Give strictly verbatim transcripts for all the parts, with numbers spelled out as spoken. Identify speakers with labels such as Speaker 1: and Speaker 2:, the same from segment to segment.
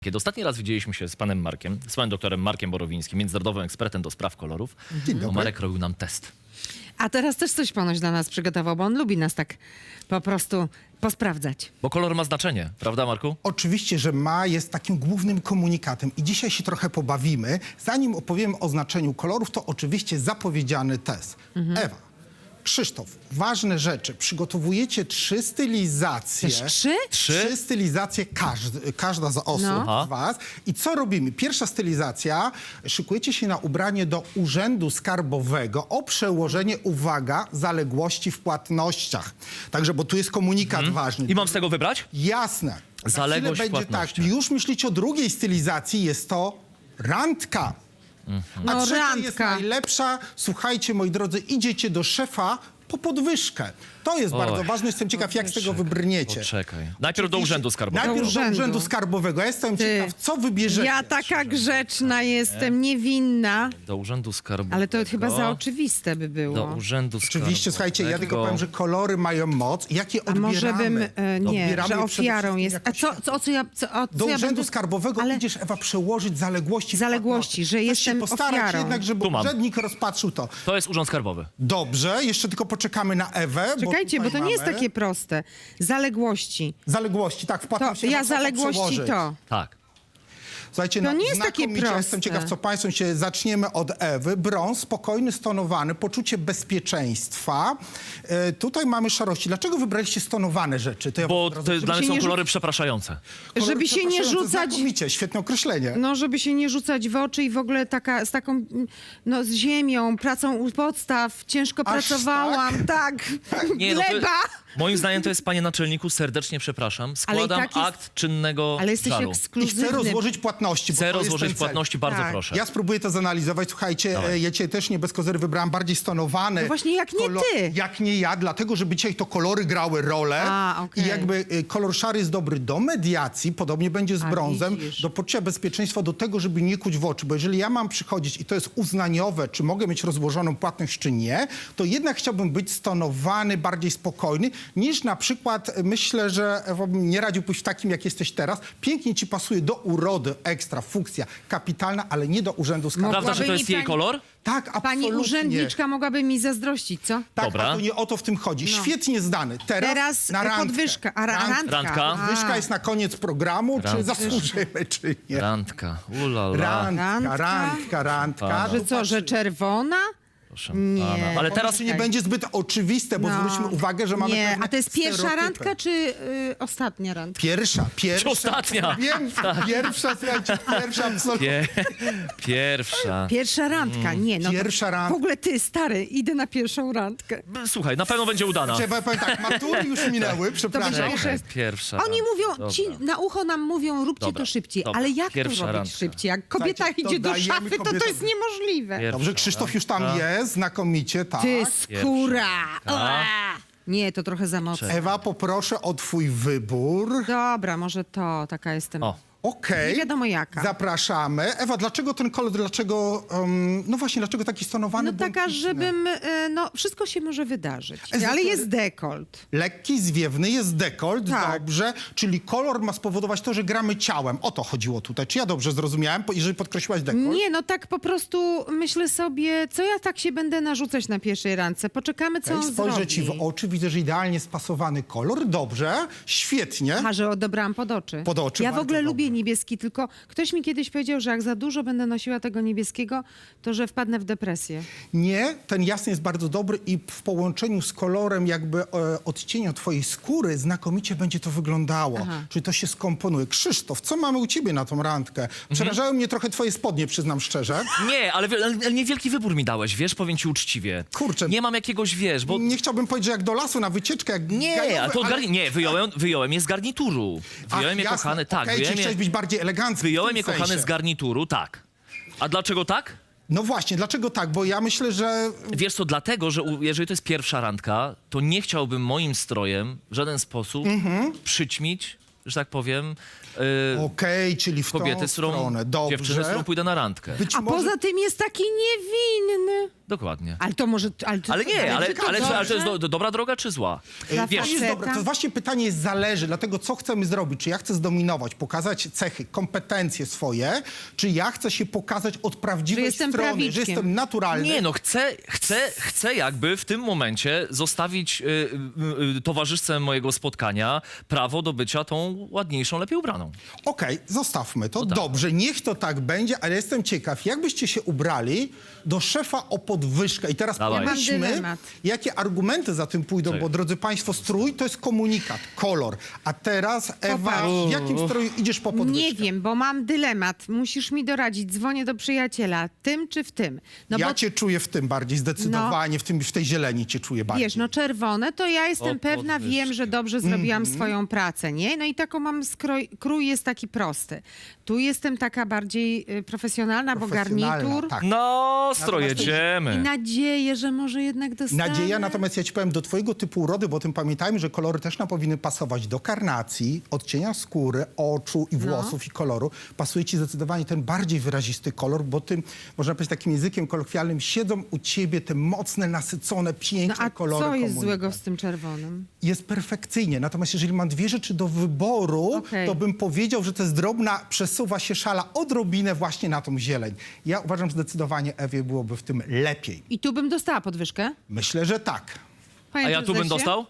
Speaker 1: Kiedy ostatni raz widzieliśmy się z panem Markiem, z panem doktorem Markiem Borowińskim, międzynarodowym ekspertem do spraw kolorów,
Speaker 2: Dzień
Speaker 1: to
Speaker 2: dobry.
Speaker 1: Marek robił nam test.
Speaker 3: A teraz też coś ponoć dla nas przygotował, bo on lubi nas tak po prostu posprawdzać.
Speaker 1: Bo kolor ma znaczenie, prawda Marku?
Speaker 2: Oczywiście, że ma, jest takim głównym komunikatem i dzisiaj się trochę pobawimy. Zanim opowiem o znaczeniu kolorów, to oczywiście zapowiedziany test. Ewa, Krzysztof, ważne rzeczy. Przygotowujecie trzy stylizacje.
Speaker 3: Też trzy?
Speaker 1: Trzy?
Speaker 2: Trzy stylizacje każdy, każda z osób
Speaker 3: No.
Speaker 2: z was. I co robimy? Pierwsza stylizacja, szykujecie się na ubranie do Urzędu Skarbowego o przełożenie, uwaga, zaległości w płatnościach. Także, bo tu jest komunikat ważny.
Speaker 1: I mam z tego wybrać?
Speaker 2: Jasne. Za
Speaker 1: Zaległość
Speaker 2: chwilę
Speaker 1: w
Speaker 2: będzie tak.
Speaker 1: płatnościach.
Speaker 2: Już myślicie o drugiej stylizacji, jest to randka. A
Speaker 3: No,
Speaker 2: trzecia jest
Speaker 3: randka.
Speaker 2: najlepsza. Słuchajcie, moi drodzy, idziecie do szefa po podwyżkę. To jest
Speaker 1: Oj.
Speaker 2: bardzo ważne. Jestem ciekaw, jak z tego wybrniecie.
Speaker 1: Poczekaj. Najpierw do Urzędu Skarbowego.
Speaker 2: Najpierw
Speaker 3: Do
Speaker 2: do
Speaker 3: urzędu.
Speaker 2: Urzędu Skarbowego. Ja jestem
Speaker 3: Ty.
Speaker 2: ciekaw, co wybierzecie.
Speaker 3: Ja taka grzeczna jestem, niewinna,
Speaker 1: Do Urzędu Skarbowego.
Speaker 3: ale to chyba za oczywiste by
Speaker 1: Do
Speaker 3: było.
Speaker 1: Urzędu Skarbowego.
Speaker 2: Oczywiście, słuchajcie, ja tylko powiem, że kolory mają moc. Jakie
Speaker 3: A
Speaker 2: odbieramy?
Speaker 3: może bym, e, nie,
Speaker 2: Odbieramy
Speaker 3: że
Speaker 2: je przede
Speaker 3: ofiarą
Speaker 2: wszystkim
Speaker 3: jest.
Speaker 2: jako
Speaker 3: A co, co, o co ja, co, o, co
Speaker 2: Do
Speaker 3: ja
Speaker 2: Urzędu
Speaker 3: będę...
Speaker 2: Skarbowego
Speaker 3: Ale-
Speaker 2: idziesz, Ewa, przełożyć zaległości. w
Speaker 3: Zaległości,
Speaker 2: płatności.
Speaker 3: że
Speaker 2: Chcesz
Speaker 3: jestem
Speaker 2: się postarać
Speaker 3: ofiarą.
Speaker 2: jednak, żeby
Speaker 1: Tu mam.
Speaker 2: urzędnik rozpatrzył to.
Speaker 1: To jest Urząd Skarbowy.
Speaker 2: Dobrze, jeszcze tylko poczekamy na Ewę.
Speaker 3: Czekajcie, bo,
Speaker 2: tutaj
Speaker 3: to nie jest
Speaker 2: mamy
Speaker 3: takie proste. Zaległości.
Speaker 2: Zaległości, tak, w
Speaker 3: To,
Speaker 2: płatności.
Speaker 3: ja
Speaker 2: trzeba
Speaker 3: zaległości
Speaker 2: przełożyć.
Speaker 3: to.
Speaker 1: Tak.
Speaker 2: Słuchajcie,
Speaker 3: To
Speaker 2: no,
Speaker 3: nie jest takie
Speaker 2: znakomicie.
Speaker 3: proste.
Speaker 2: Jestem ciekaw, co państwo się... Zaczniemy od Ewy. Brąz, spokojny, stonowany, poczucie bezpieczeństwa. E, tutaj mamy szarości. Dlaczego wybraliście stonowane rzeczy? To ja
Speaker 1: Bo
Speaker 2: wam od
Speaker 1: to
Speaker 2: razu-
Speaker 1: dla mnie
Speaker 3: się
Speaker 1: są
Speaker 3: nie rzu-
Speaker 1: kolory przepraszające.
Speaker 2: Kolory
Speaker 3: Żeby się nie
Speaker 2: przepraszające,
Speaker 3: rzucać...
Speaker 2: Znakomicie, świetne określenie.
Speaker 3: No, żeby się nie rzucać w oczy i w ogóle taka, z taką, no, z ziemią, pracą u podstaw, ciężko
Speaker 2: Aż
Speaker 3: pracowałam, tak,
Speaker 1: Nie, no to,
Speaker 3: gleba.
Speaker 1: moim zdaniem to jest, panie naczelniku, serdecznie przepraszam. Składam
Speaker 3: tak jest-
Speaker 1: akt czynnego
Speaker 3: Ale jesteś
Speaker 1: żalu.
Speaker 2: I chcę
Speaker 3: ekskluzywny.
Speaker 2: rozłożyć płatności. bo
Speaker 1: Chcę
Speaker 2: to jest
Speaker 1: rozłożyć
Speaker 2: ten cel.
Speaker 1: płatności, bardzo
Speaker 3: Tak.
Speaker 1: proszę.
Speaker 2: Ja spróbuję to zanalizować. Słuchajcie,
Speaker 1: Dawaj.
Speaker 2: e, ja dzisiaj też nie bez kozery wybrałam bardziej stonowane.
Speaker 3: No właśnie, jak nie ty.
Speaker 2: Jak nie ja, dlatego, żeby dzisiaj to kolory grały rolę.
Speaker 3: A, okej.
Speaker 2: I jakby e, kolor szary jest dobry do mediacji, podobnie będzie z
Speaker 3: A,
Speaker 2: brązem,
Speaker 3: widzisz.
Speaker 2: do poczucia bezpieczeństwa, do tego, żeby nie kuć w oczy. Bo jeżeli ja mam przychodzić i to jest uznaniowe, czy mogę mieć rozłożoną płatność, czy nie, to jednak chciałbym być stonowany, bardziej spokojny, niż na przykład, e, myślę, że Ewa, bym nie radził pójść w takim, jak jesteś teraz. Pięknie ci pasuje do urody, ekstra, funkcja kapitalna, ale nie do Urzędu Skarbowego.
Speaker 1: Prawda, że to
Speaker 3: Mogłaby
Speaker 1: jest
Speaker 3: mi
Speaker 1: jej
Speaker 3: pani-
Speaker 1: kolor?
Speaker 2: Tak, absolutnie.
Speaker 3: Pani urzędniczka mogłaby mi zazdrościć, co?
Speaker 2: Tak,
Speaker 1: Dobra.
Speaker 2: a to nie o to w tym chodzi. Świetnie zdany. Teraz,
Speaker 3: Teraz
Speaker 2: na randkę.
Speaker 3: podwyżka, a ra-
Speaker 2: Rand-
Speaker 3: randka.
Speaker 1: Randka.
Speaker 3: A.
Speaker 2: Podwyżka jest na koniec programu, czy
Speaker 1: Randka.
Speaker 2: zasłużymy, czy nie.
Speaker 1: Randka. Ulala.
Speaker 2: Randka,
Speaker 3: Randka.
Speaker 2: randka, randka.
Speaker 1: Pana.
Speaker 3: Że co, że czerwona?
Speaker 1: Proszę
Speaker 3: Nie.
Speaker 1: pana. Ale
Speaker 2: Teraz
Speaker 1: teraz
Speaker 2: się nie będzie zbyt oczywiste, bo
Speaker 3: No.
Speaker 2: zwróćmy uwagę, że mamy
Speaker 3: Nie,
Speaker 2: pewne
Speaker 3: a to jest pierwsza
Speaker 2: stereotypy.
Speaker 3: randka, czy y, ostatnia randka?
Speaker 2: Pierwsza, pierwsza.
Speaker 1: Ostatnia.
Speaker 2: Wiem, pierwsza, słuchajcie, pierwsza, absolutnie.
Speaker 1: Pie... Pierwsza.
Speaker 3: Pierwsza randka, nie. No to-
Speaker 2: Pierwsza randka.
Speaker 3: W ogóle ty, stary, idę na pierwszą randkę.
Speaker 1: Słuchaj, na pewno będzie udana.
Speaker 2: Trzeba powiem tak, matury już minęły, przepraszam.
Speaker 3: będzie
Speaker 1: Czekaj,
Speaker 3: jeszcze-
Speaker 1: pierwsza.
Speaker 3: Oni mówią,
Speaker 1: Dobra.
Speaker 3: ci na ucho nam mówią, róbcie
Speaker 1: Dobra,
Speaker 3: to szybciej.
Speaker 1: dobra.
Speaker 3: Ale jak
Speaker 1: Pierwsza
Speaker 3: to robić
Speaker 1: randka.
Speaker 3: szybciej? Jak kobieta
Speaker 2: Słuchajcie,
Speaker 3: idzie do
Speaker 2: dodajemy
Speaker 3: szafy, to to
Speaker 2: kobietom-
Speaker 3: jest niemożliwe.
Speaker 1: Pierwsza
Speaker 2: Dobrze, Krzysztof już tam
Speaker 1: randka.
Speaker 2: jest, znakomicie, tak.
Speaker 3: Ty, skóra.
Speaker 1: randka.
Speaker 3: Ua. Nie, to trochę za mocno.
Speaker 2: Ewa, poproszę o twój wybór.
Speaker 3: Dobra, może to, taka jestem.
Speaker 1: O.
Speaker 2: Okej.
Speaker 3: Nie wiadomo jaka.
Speaker 2: Zapraszamy. Ewa, dlaczego ten kolor, dlaczego, um, no właśnie, dlaczego taki stonowany?
Speaker 3: No taka,
Speaker 2: błękitny?
Speaker 3: żebym, e, no wszystko się może wydarzyć.
Speaker 2: Ezotery-
Speaker 3: Ale jest dekolt.
Speaker 2: Lekki, zwiewny, jest dekolt,
Speaker 3: Tak.
Speaker 2: dobrze, czyli kolor ma spowodować to, że gramy ciałem. O to chodziło tutaj. Czy ja dobrze zrozumiałem, po- jeżeli podkreśliłaś dekolt?
Speaker 3: Nie, no tak po prostu myślę sobie, co ja tak się będę narzucać na pierwszej randce. Poczekamy, co
Speaker 2: Okej,
Speaker 3: on
Speaker 2: spojrzę
Speaker 3: zrobi.
Speaker 2: ci w oczy, widzę, że idealnie spasowany kolor. Dobrze, świetnie.
Speaker 3: Aha, że odebrałam pod oczy.
Speaker 2: Pod oczy,
Speaker 3: Ja w
Speaker 2: bardzo
Speaker 3: ogóle
Speaker 2: dobrze.
Speaker 3: lubię niebieski, tylko ktoś mi kiedyś powiedział, że jak za dużo będę nosiła tego niebieskiego, to że wpadnę w depresję.
Speaker 2: Nie, ten jasny jest bardzo dobry i w połączeniu z kolorem jakby e, odcienia twojej skóry znakomicie będzie to wyglądało.
Speaker 3: Aha.
Speaker 2: Czyli to się skomponuje. Krzysztof, co mamy u ciebie na tą randkę? Przerażają mnie trochę twoje spodnie, przyznam szczerze.
Speaker 1: Nie, ale, wi- ale niewielki wybór mi dałeś, wiesz, powiem ci uczciwie.
Speaker 2: Kurczę.
Speaker 1: Nie mam jakiegoś, wiesz, bo...
Speaker 2: Nie chciałbym powiedzieć, że jak do lasu na wycieczkę, jak
Speaker 1: Nie,
Speaker 2: gajowy,
Speaker 1: a to od
Speaker 2: ale-
Speaker 1: garni... Nie, wyjąłem, wyjąłem je z garnituru. Wyjąłem je,
Speaker 2: jasne.
Speaker 1: kochany, tak.
Speaker 2: Okej,
Speaker 1: wyjąłem
Speaker 2: czyli
Speaker 1: je,
Speaker 2: chciałeś być bardziej elegancki. w
Speaker 1: wyjąłem
Speaker 2: tym
Speaker 1: je, kochany,
Speaker 2: sensie.
Speaker 1: z garnituru, tak. A dlaczego tak?
Speaker 2: No właśnie, dlaczego tak? Bo ja myślę, że...
Speaker 1: Wiesz co, dlatego, że u, jeżeli to jest pierwsza randka, to nie chciałbym moim strojem w żaden sposób
Speaker 2: Mhm.
Speaker 1: przyćmić, że tak powiem, Yy,
Speaker 2: Okej, czyli w
Speaker 1: kobiety,
Speaker 2: tą
Speaker 1: z którą,
Speaker 2: stronę. Dobrze.
Speaker 1: dziewczyny, z którą pójdę na randkę.
Speaker 2: Być
Speaker 3: A
Speaker 2: może...
Speaker 3: poza tym jest taki niewinny.
Speaker 1: Dokładnie.
Speaker 3: Ale to może... Ale, to,
Speaker 1: Ale nie, ale,
Speaker 3: czy to
Speaker 1: ale, czy, ale to jest
Speaker 3: dobrze?
Speaker 1: do, dobra droga czy zła?
Speaker 3: Dla
Speaker 2: To jest
Speaker 3: faceta?
Speaker 2: dobre. To właśnie pytanie jest zależy, dlatego co chcemy zrobić. Czy ja chcę zdominować, pokazać cechy, kompetencje swoje, czy ja chcę się pokazać od prawdziwej
Speaker 3: Że jestem
Speaker 2: strony, że
Speaker 3: prawiczkiem.
Speaker 2: jestem naturalny.
Speaker 1: Nie, no chcę, chcę, chcę jakby w tym momencie zostawić y, y, y, towarzyszce mojego spotkania prawo do bycia tą ładniejszą, lepiej ubraną.
Speaker 2: Okej, zostawmy to.
Speaker 1: No tak.
Speaker 2: Dobrze, niech to tak będzie, ale jestem ciekaw, jak byście się ubrali do szefa o podwyżkę. I teraz
Speaker 1: Dawaj.
Speaker 3: Ja mam
Speaker 2: pomyślmy,
Speaker 3: dylemat.
Speaker 2: jakie argumenty za tym pójdą,
Speaker 1: Czekaj.
Speaker 2: bo drodzy państwo, strój to jest komunikat, kolor. A teraz, Ewa,
Speaker 3: Popatrz.
Speaker 2: w jakim stroju idziesz po podwyżkę?
Speaker 3: Nie wiem, bo mam dylemat. Musisz mi doradzić. Dzwonię do przyjaciela. Tym czy w tym? No
Speaker 2: ja
Speaker 3: bo
Speaker 2: cię czuję w tym bardziej, zdecydowanie, w, tym, w tej zieleni cię czuję bardziej.
Speaker 3: wiesz, no czerwone, to ja jestem
Speaker 1: O
Speaker 3: pewna,
Speaker 1: podwyżki.
Speaker 3: wiem, że dobrze zrobiłam
Speaker 2: Mhm.
Speaker 3: swoją pracę, nie? No i taką mam skroj, krój jest taki prosty. Tu jestem taka bardziej y, profesjonalna, bo
Speaker 2: Profesjonalna,
Speaker 3: garnitur.
Speaker 2: tak.
Speaker 1: No, stro
Speaker 2: Natomiast to-
Speaker 3: I
Speaker 1: jedziemy.
Speaker 3: nadzieję, że może jednak dostanę.
Speaker 2: Nadzieja, natomiast ja ci powiem, do twojego typu urody, bo o tym pamiętajmy, że kolory też nam powinny pasować do karnacji, odcienia skóry, oczu i włosów i koloru. Pasuje ci zdecydowanie ten bardziej wyrazisty kolor, bo tym, można powiedzieć takim językiem kolokwialnym, siedzą u ciebie te mocne, nasycone,
Speaker 3: No
Speaker 2: piękne
Speaker 3: a
Speaker 2: kolory.
Speaker 3: co jest
Speaker 2: komunikacji.
Speaker 3: złego z tym czerwonym?
Speaker 2: Jest perfekcyjnie. Natomiast jeżeli mam dwie rzeczy do wyboru,
Speaker 3: Okej.
Speaker 2: to bym powiedział, że to jest drobna, przesuwa się szala odrobinę właśnie na tą zieleń. Ja uważam, że zdecydowanie Ewie byłoby w tym lepiej.
Speaker 3: I tu bym dostała podwyżkę?
Speaker 2: Myślę, że tak.
Speaker 3: Panie
Speaker 1: A ja tu bym
Speaker 3: prezesie?
Speaker 1: dostał?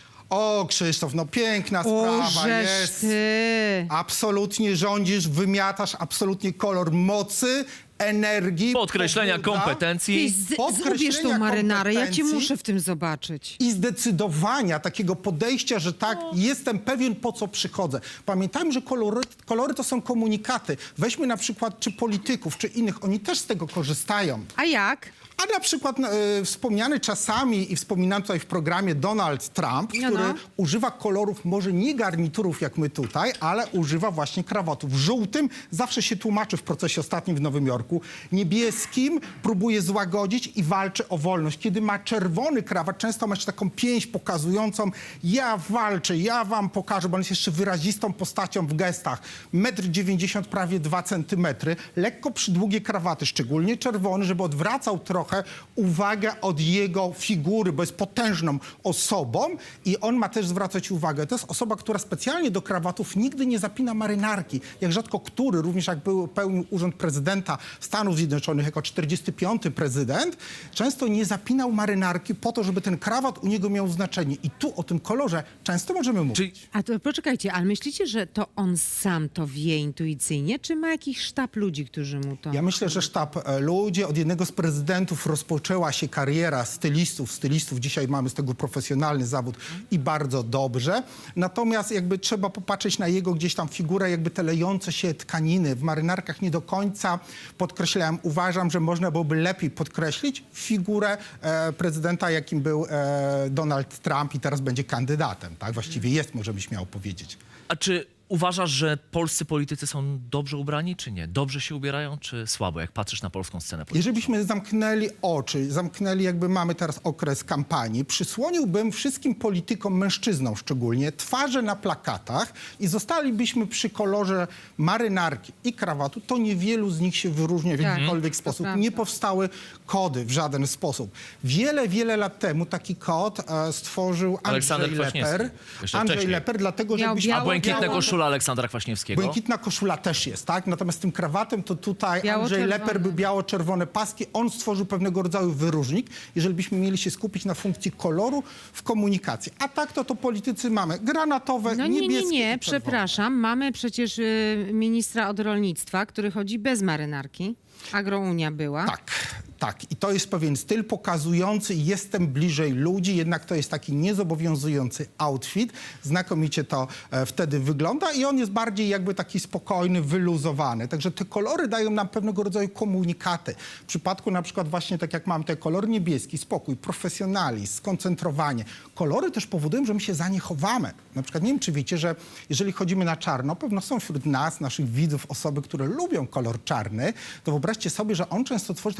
Speaker 2: O, Krzysztof, no piękna
Speaker 3: O,
Speaker 2: sprawa
Speaker 3: żeż
Speaker 2: jest.
Speaker 3: ty.
Speaker 2: Absolutnie rządzisz, wymiatasz absolutnie kolor mocy, energii.
Speaker 1: Podkreślenia
Speaker 2: pobudza
Speaker 3: Ty
Speaker 1: kompetencji.
Speaker 3: z,
Speaker 2: Podkreślenia
Speaker 3: zgubisz tą marynarę, ja cię
Speaker 2: kompetencji.
Speaker 3: muszę w tym zobaczyć.
Speaker 2: I zdecydowania, takiego podejścia, że tak, jestem pewien, po co przychodzę. Pamiętajmy, że kolory, kolory to są komunikaty. Weźmy na przykład czy polityków, czy innych, oni też z tego korzystają.
Speaker 3: A jak?
Speaker 2: A na przykład e, wspomniany czasami i wspominany tutaj w programie Donald Trump,
Speaker 3: No,
Speaker 2: który
Speaker 3: no.
Speaker 2: używa kolorów, może nie garniturów jak my tutaj, ale używa właśnie krawatów. Żółtym zawsze się tłumaczy w procesie ostatnim w Nowym Jorku. Niebieskim próbuje złagodzić i walczy o wolność. Kiedy ma czerwony krawat, często ma jeszcze taką pięść pokazującą, ja walczę, ja wam pokażę, bo on jest jeszcze wyrazistą postacią w gestach. metr dziewięćdziesiąt, prawie dwa centymetry. Lekko przydługie krawaty, szczególnie czerwony, żeby odwracał trochę uwagę od jego figury, bo jest potężną osobą i on ma też zwracać uwagę. To jest osoba, która specjalnie do krawatów nigdy nie zapina marynarki. Jak rzadko który, również jak był, pełnił urząd prezydenta Stanów Zjednoczonych jako czterdziesty piąty prezydent, często nie zapinał marynarki po to, żeby ten krawat u niego miał znaczenie. I tu o tym kolorze często możemy mówić.
Speaker 1: Czyli
Speaker 3: A to poczekajcie, ale myślicie, że to on sam to wie intuicyjnie, czy ma jakiś sztab ludzi, którzy mu to...
Speaker 2: Ja myślę, że sztab e, ludzi, od jednego z prezydentów rozpoczęła się kariera stylistów. Stylistów dzisiaj mamy z tego profesjonalny zawód i bardzo dobrze. Natomiast jakby trzeba popatrzeć na jego gdzieś tam figurę, jakby te lejące się tkaniny. W marynarkach nie do końca podkreślałem. Uważam, że można byłoby lepiej podkreślić figurę e, prezydenta, jakim był e, Donald Trump i teraz będzie kandydatem. Tak? Właściwie jest, możemy śmiało powiedzieć.
Speaker 1: A czy uważasz, że polscy politycy są dobrze ubrani, czy nie? Dobrze się ubierają, czy słabo, jak patrzysz na polską scenę polityczną?
Speaker 2: Jeżeli byśmy zamknęli oczy, zamknęli jakby mamy teraz okres kampanii, przysłoniłbym wszystkim politykom, mężczyznom szczególnie, twarze na plakatach i zostalibyśmy przy kolorze marynarki i krawatu, to niewielu z nich się wyróżnia w
Speaker 3: Tak,
Speaker 2: jakikolwiek
Speaker 3: to
Speaker 2: sposób.
Speaker 3: prawda.
Speaker 2: Nie powstały kody w żaden sposób. Wiele, wiele lat temu taki kod e, stworzył
Speaker 1: Aleksander
Speaker 2: Andrzej
Speaker 1: Kwaśniewski.
Speaker 2: Leper.
Speaker 1: Jeszcze
Speaker 2: Andrzej
Speaker 1: wcześniej.
Speaker 2: Leper, dlatego
Speaker 3: Miał
Speaker 2: żebyśmy...
Speaker 1: A
Speaker 3: białą-
Speaker 1: błękitna
Speaker 3: białą-
Speaker 1: koszula Aleksandra Kwaśniewskiego?
Speaker 2: Błękitna koszula też jest, tak? Natomiast tym krawatem to tutaj Andrzej
Speaker 3: Biało-czerwony.
Speaker 2: Leper był biało-czerwone paski. On stworzył pewnego rodzaju wyróżnik, jeżeli byśmy mieli się skupić na funkcji koloru w komunikacji. A tak to to politycy mamy granatowe,
Speaker 3: No nie,
Speaker 2: niebieskie
Speaker 3: nie, nie,
Speaker 2: i czerwone.
Speaker 3: przepraszam. Mamy przecież y, ministra od rolnictwa, który chodzi bez marynarki. Agrounia była.
Speaker 2: Tak, tak. I to jest pewien styl pokazujący, jestem bliżej ludzi, jednak to jest taki niezobowiązujący outfit. Znakomicie to e, wtedy wygląda i on jest bardziej jakby taki spokojny, wyluzowany. Także te kolory dają nam pewnego rodzaju komunikaty. W przypadku na przykład właśnie tak jak mam ten kolor niebieski, spokój, profesjonalizm, skoncentrowanie. Kolory też powodują, że my się za nie chowamy. Na przykład nie wiem, czy wiecie, że jeżeli chodzimy na czarno, pewno są wśród nas, naszych widzów, osoby, które lubią kolor czarny, to wyobraźcie sobie, że on często tworzy taką barierę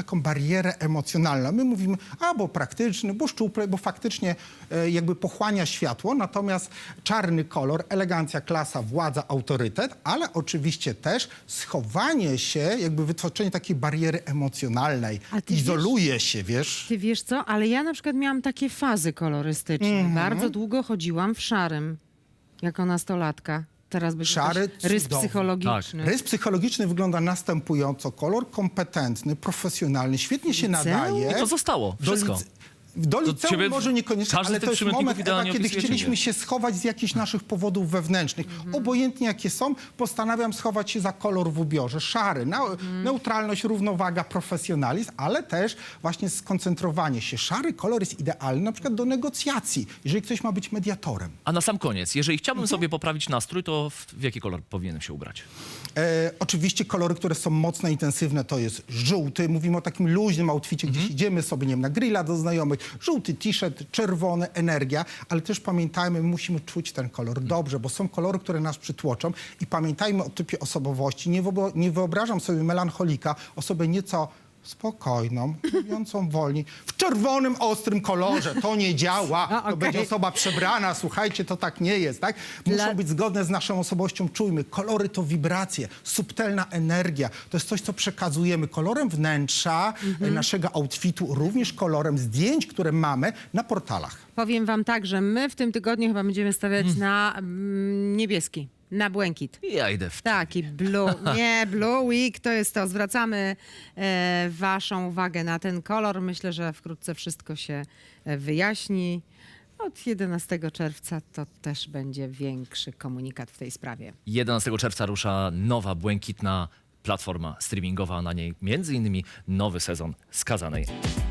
Speaker 2: barierę emocjonalną. My mówimy, a bo praktyczny, bo szczupły, bo faktycznie e, jakby pochłania światło, natomiast czarny kolor, elegancja, klasa, władza, autorytet, ale oczywiście też schowanie się, jakby wytworzenie takiej bariery emocjonalnej.
Speaker 3: A ty
Speaker 2: Izoluje się, wiesz?
Speaker 3: Ty wiesz co, ale ja na przykład miałam takie fazy kolorystyczne.
Speaker 2: Mhm.
Speaker 3: Bardzo długo chodziłam w szarym, jako nastolatka. Teraz będzie
Speaker 2: Szary,
Speaker 3: też rys
Speaker 2: cudowny.
Speaker 3: psychologiczny.
Speaker 2: Rys psychologiczny wygląda następująco. Kolor kompetentny, profesjonalny, świetnie się
Speaker 3: Liceum?
Speaker 2: nadaje.
Speaker 1: I to zostało.
Speaker 2: Do
Speaker 1: Wszystko.
Speaker 2: lice- Do liceum
Speaker 1: ciebie
Speaker 2: może niekoniecznie,
Speaker 1: każdy z
Speaker 2: ale
Speaker 1: tych
Speaker 2: to jest
Speaker 1: przymiotników
Speaker 2: moment, Ewa,
Speaker 1: idealnie
Speaker 2: kiedy
Speaker 1: opisuje
Speaker 2: chcieliśmy
Speaker 1: ciebie.
Speaker 2: się schować z jakichś naszych powodów wewnętrznych. Obojętnie jakie są, postanawiam schować się za kolor w ubiorze. Szary, neu- neutralność, równowaga, profesjonalizm, ale też właśnie skoncentrowanie się. Szary kolor jest idealny na przykład do negocjacji, jeżeli ktoś ma być mediatorem.
Speaker 1: A na sam koniec, jeżeli chciałbym
Speaker 2: Mhm.
Speaker 1: sobie poprawić nastrój, to w, w jaki kolor powinienem się ubrać?
Speaker 2: E, oczywiście kolory, które są mocno intensywne, to jest żółty. Mówimy o takim luźnym outficie, gdzieś idziemy sobie, nie wiem, na grilla do znajomych. Żółty t-shirt, czerwony, energia, ale też pamiętajmy, my musimy czuć ten kolor dobrze, bo są kolory, które nas przytłoczą i pamiętajmy o typie osobowości. Nie, wyob- nie wyobrażam sobie melancholika, osobę nieco spokojną, mówiącą wolniej, w czerwonym, ostrym kolorze. To nie działa.
Speaker 3: A,
Speaker 2: To
Speaker 3: okej.
Speaker 2: będzie osoba przebrana. Słuchajcie, to tak nie jest, tak? Muszą
Speaker 3: Dla-
Speaker 2: być zgodne z naszą osobowością. Czujmy, kolory to wibracje, subtelna energia. To jest coś, co przekazujemy kolorem wnętrza e, naszego outfitu, również kolorem zdjęć, które mamy na portalach.
Speaker 3: Powiem wam tak, że my w tym tygodniu chyba będziemy stawiać na mm, niebieski, na błękit.
Speaker 1: Ja idę w...
Speaker 3: Taki blue, nie, blue week to jest to. Zwracamy e, waszą uwagę na ten kolor. Myślę, że wkrótce wszystko się e, wyjaśni. Od jedenastego czerwca to też będzie większy komunikat w tej sprawie.
Speaker 1: jedenastego czerwca rusza nowa, błękitna platforma streamingowa, a na niej między innymi nowy sezon Skazanej.